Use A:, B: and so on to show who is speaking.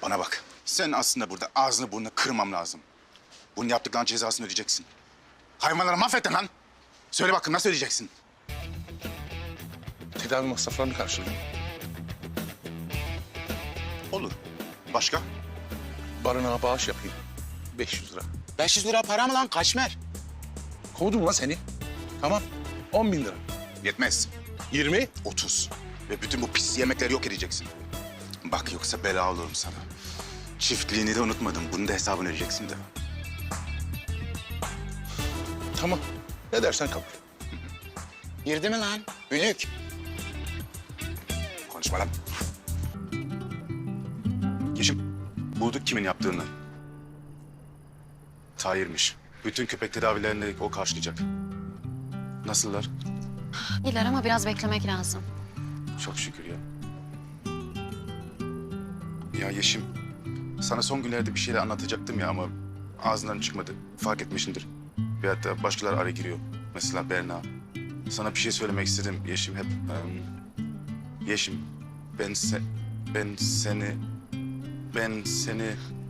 A: Bana bak. Sen aslında burada ağzını burnunu kırmam lazım. Bunun yaptıklarının cezasını ödeyeceksin. Hayvanları mahvettin lan. Söyle bakın nasıl ödeyeceksin?
B: Tedavi masraflarını karşılayayım.
A: Olur. Başka?
B: Barınağa bağış yapayım. 500 lira.
A: 500 lira para mı lan Kaşmer?
B: Kovdum lan seni. Tamam. 10 bin lira.
A: Yetmez.
B: 20.
A: 30. Ve bütün bu pis yemekleri yok edeceksin. Bak yoksa bela olurum sana. Çiftliğini de unutmadım. Bunun da hesabını ödeyeceksin de.
B: Tamam. Ne dersen kabul.
A: Girdi mi lan? Ünlük. Konuşma lan. Yeşim, bulduk kimin yaptığını. Tahir'miş. Bütün köpek tedavilerini o karşılayacak. Nasıllar?
C: İyiler ama biraz beklemek lazım.
A: Çok şükür ya. Ya Yeşim, sana son günlerde bir şeyler anlatacaktım ya ama ağzından çıkmadı. Fark etmişsindir. Bir hatta başkaları araya giriyor. Mesela Berna. Sana bir şey söylemek istedim Yeşim hep. Yeşim, ben seni...